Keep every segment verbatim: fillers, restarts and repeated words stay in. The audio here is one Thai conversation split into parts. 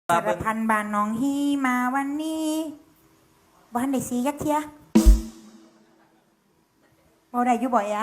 สารพันบานน้องฮีมาวันนี้บ้านได้สียักเทียบ่ได้อยู่บ่อยอัน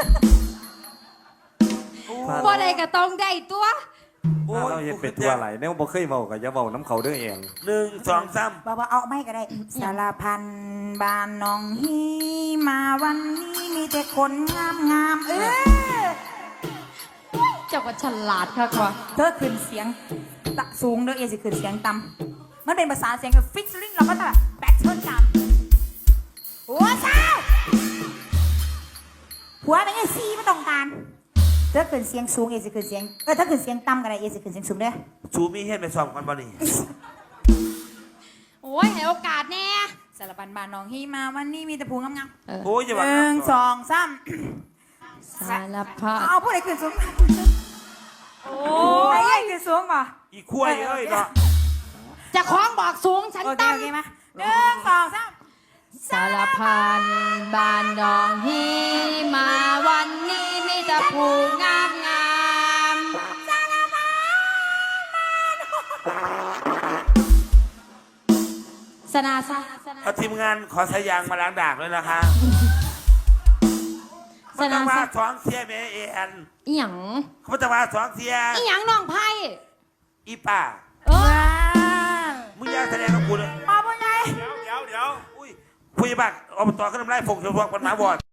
บ่ได้ก็ต้องได้ตัวโอ้ถ้าย เราเห็นเป็นตัวอะไรเนี่ยบ่เคยเว้ากับอย่าเว้าน้ำเขาเด้อเองหนึ่งสองสามบ่ว่าเอาไม่ก็ได้สารพันบานน้องฮีมาวันนี้มีแต่คนงามงามๆเออเจ้าก็ฉลาดค่ะกว่าเธอขึ้นเสียงตะสูงเด้อเอสิขึ้นเสียงต่ำมันเป็นภาษาเสียงกับฟิชลิงเราก็จะแบบแบทเทิลกันหัวเช้าหัวเป็นไงซีไม่ต้องการเธอขึ้นเสียงสูงเอสิขึ้นเสียงเออถ้าขึ้นเสียงต่ำก็ได้เอสิขึ้นเสียงสูงเด้อชูมีเฮ็ดไปซ้อมกันบ่นี่โอ้ยให้โอกาสแน่สารพันบานน้องฮีมาวันนี้มีแต่ผู้งามเออโอ้ยอย่าๆว่าหนึ่งสองสามสารพัดเอาผู้ใดขึ้นสูงโอ้ไอ้ยใหญ่ขึ้นสูงป่ะอีกล้วยเอ้ยเนาะจะคล้องบอกสูงฉันโอเคตั้โอง เคมาหนึ่งสองสามสารพันบานดองฮีมาวันนี้มีแต่ผู้งามงามสนาซะเอาทีมงานขอสายยางมาล้างดากด้วยนะคะสมันต้นาองว่าซะสองเทียแม่เอ็นอีหยังเขาจะว่าสองเทียอีหยังน้องไพ่อีป่าเออมึงอยากแสดงกับกูเลยมาบ่ไงเดี๋ยวเดี๋ยวเดี๋ยวอุ้ยคุยบักอบตก็ทำไรฟงเชียวพวกคนหมาบอด